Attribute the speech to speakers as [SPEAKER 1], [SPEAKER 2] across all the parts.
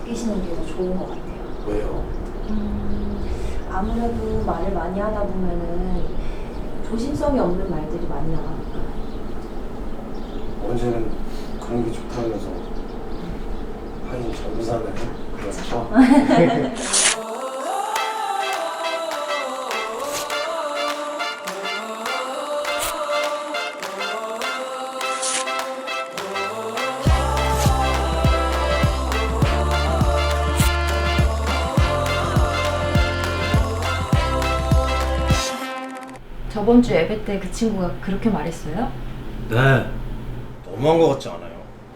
[SPEAKER 1] 바뀌시는 게 더 좋은 것 같아요.
[SPEAKER 2] 왜요?
[SPEAKER 1] 아무래도 말을 많이 하다 보면은 조심성이 없는 말들이 많이 나가니까.
[SPEAKER 2] 언제는 그런 게 좋다면서 하긴 전도사는 그렇죠.
[SPEAKER 1] 저번 주 예배 때 그 친구가 그렇게 말했어요?
[SPEAKER 2] 네. 너무한 것 같지 않아요?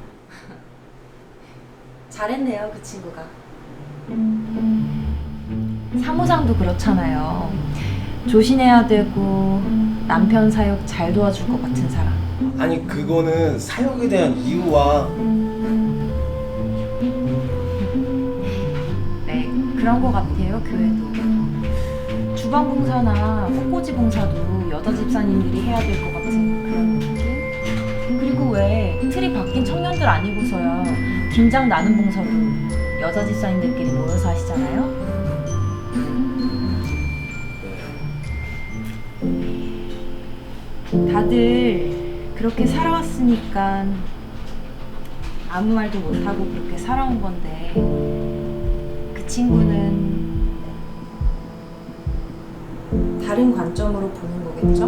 [SPEAKER 1] 잘했네요, 그 친구가. 사무장도 그렇잖아요. 조신해야 되고 남편 사역 잘 도와줄 것 같은 사람.
[SPEAKER 2] 아니 그거는 사역에 대한 이유와
[SPEAKER 1] 네, 그런 것 같아요, 교회도. 주방 봉사나 꽃꽂이 봉사도 여자 집사님들이 해야 될 것 같은 그런 느낌? 그리고 왜 틀이 바뀐 청년들 아니고서야 김장 나눔 봉사도 여자 집사님들끼리 모여서 하시잖아요? 다들 그렇게 살아왔으니까 아무 말도 못하고 그렇게 살아온 건데 그 친구는 다른 관점으로 보는 거겠죠?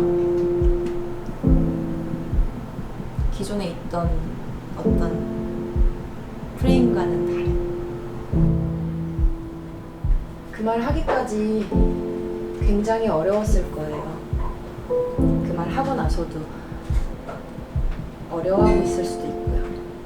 [SPEAKER 1] 기존에 있던 어떤 프레임과는 다른. 그 말 하기까지 굉장히 어려웠을 거예요. 그 말 하고 나서도 어려워하고 있을 수도 있고요.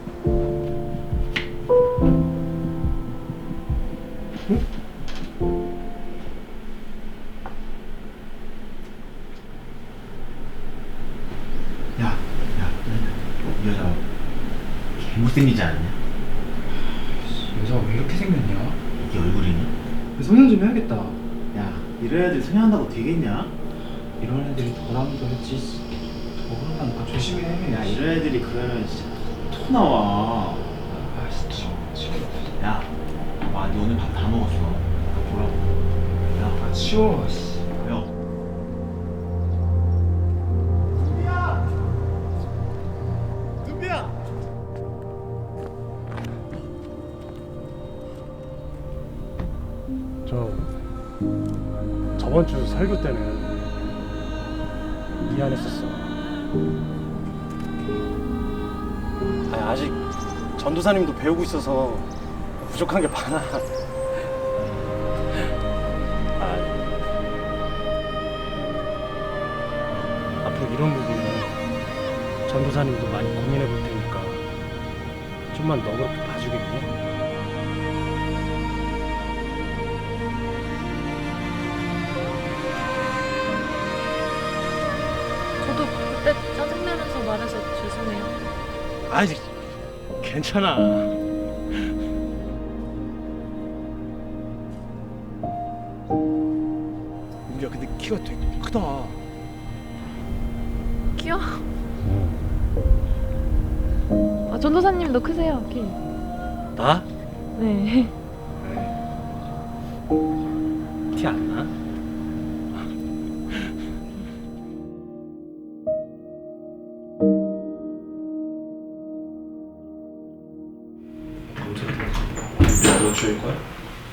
[SPEAKER 3] 야, 이 여자 개못생기지 않냐?
[SPEAKER 4] 여자가 왜 이렇게 생겼냐?
[SPEAKER 3] 이게 얼굴이니?
[SPEAKER 4] 성형 좀 해야겠다.
[SPEAKER 3] 야, 이런 애들 성형한다고 되겠냐?
[SPEAKER 4] 이런 애들이 더라면도 했지. 더 그러면 더 조심해.
[SPEAKER 3] 야, 이런 애들이 그러면 진짜 토 나와.
[SPEAKER 4] 아씨, 치워.
[SPEAKER 3] 야, 와, 니 오늘 밥 다 먹었어. 뭐라고? 야,
[SPEAKER 4] 아, 치워. 씨.
[SPEAKER 3] 야. 둠비야!
[SPEAKER 2] 저번 주 설교 때는 미안했었어. 아니, 아직 전도사님도 배우고 있어서 부족한 게 많아. 앞으로 이런 부분은 전도사님도 많이 고민해 볼 테니까 좀만 너그럽게 봐주겠니?
[SPEAKER 5] 저도 그때 짜증내면서 말해서 죄송해요.
[SPEAKER 2] 아니, 괜찮아. 우리야, 근데 키가 되게 크다.
[SPEAKER 5] 귀여워. 아, 전도사님도 크세요, 키.
[SPEAKER 2] 나?
[SPEAKER 5] 네.
[SPEAKER 2] 티 안 나?
[SPEAKER 3] 너 줄 거야?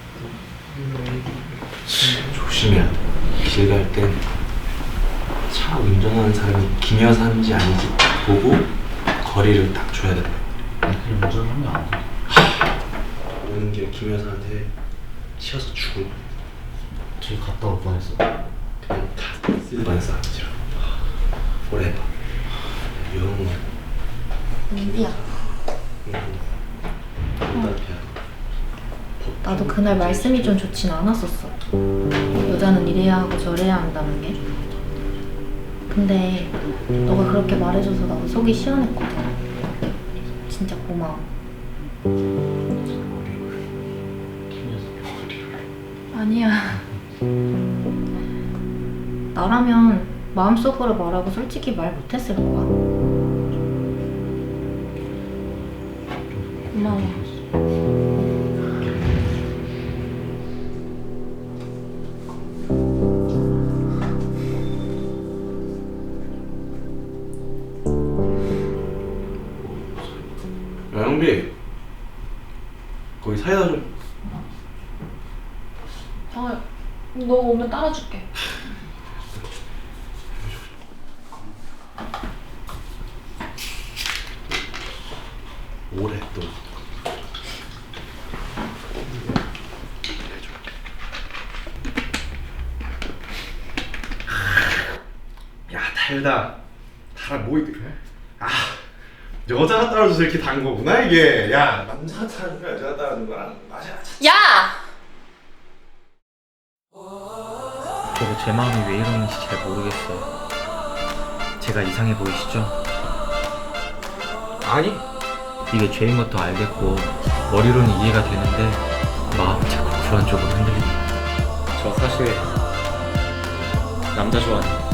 [SPEAKER 3] 조심해야 돼. 길 갈 땐 차 운전하는 사람이 김 여사인지 아닌지 보고 거리를 딱 줘야 돼. 그냥 운전하면 안 돼. 오는 길에 김 여사한테 치여서 죽을 뻔. 뒤에 갔다 올 뻔했어. 그냥 다 쓸만 싸움이라. forever. 영.
[SPEAKER 1] 민비야,
[SPEAKER 3] 남편이야.
[SPEAKER 1] 나도 그날 말씀이 좀 좋진 않았었어. 여자는 이래야 하고 저래야 한다는 게. 근데 너가 그렇게 말해줘서 나도 속이 시원했거든. 진짜 고마워. 아니야. 나라면 마음속으로 말하고 솔직히 말 못했을 거야. 고마워.
[SPEAKER 3] 거기 사이다 좀.
[SPEAKER 5] 아, 너 오면 따라줄게.
[SPEAKER 3] 오래 또. 야 달다. 달아 뭐 이렇게? 아 여자가 따라줘서 이렇게 단 거구나 이게. 야 남자가 따라준 거야 여자가 따라준 거랑 맛이
[SPEAKER 5] 야!
[SPEAKER 6] 저도 제 마음이 왜 이러는지 잘 모르겠어요. 제가 이상해 보이시죠?
[SPEAKER 3] 아니?
[SPEAKER 6] 이게 죄인 것도 알겠고 머리로는 이해가 되는데 마음이 자꾸 그런 쪽으로 흔들립니다.
[SPEAKER 4] 저 사실 남자 좋아해요.